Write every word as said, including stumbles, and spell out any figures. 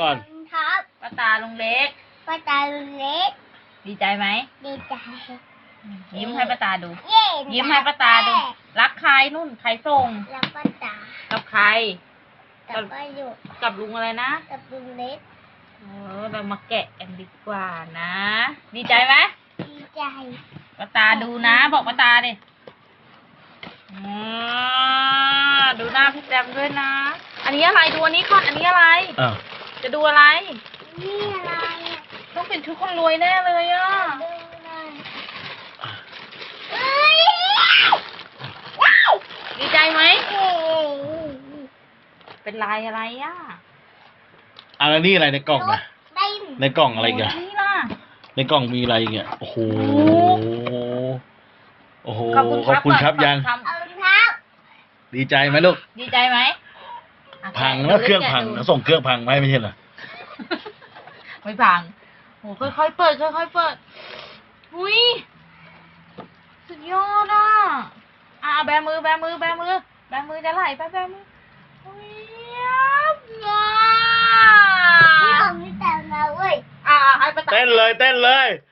ก่อนครับป้าตาลุงเล็กป้าตาลุงเล็กดีใจไหมดีใจยิ้มให้ป้าตาดูยิ้มให้ป้าตาดูรักใครนุ่นใครส่งรักป้าตากับใครกับป้าอยู่กับลุงอะไรนะกับลุงเล็กเออเรามาแกะกันดีกว่านะดีใจไหมดีใจป้าตาดูนะบอกป้าตาดิดูหน้าพี่แจมด้วยนะอันนี้อะไรดูอันนี้ก่อนอันนี้อะไรจะดูอะไรนี่อะไรต้องเป็นชุดคนรวยแน่เลยอ่ะว้าวดีใจไหมเป็นลายอะไรอ่ะอะไรนี่อะไรในกล่องอะในกล่องอะไรกันนี่ล่ะในกล่องมีอะไรเงี้ยโอ้โหโอ้โหขอบคุณขอบคุณครับยังดีใจไหมลูกดีใจไหมพังแล้วเครื่องพังส่งเครื่องพังไหมไม่ใช่เหรอไม่พังโหค่อยๆเปิดค่อยๆเปิดอุ้ยสุดยอดอ่ะอ่ะแบมือแบมือแบมือแบมือจะไหลไปแบมืออุ้ยว้าวนี่ของพี่แต่งนะเว้ยอ่ะให้ป้าตาเต้นเลยเต้นเลย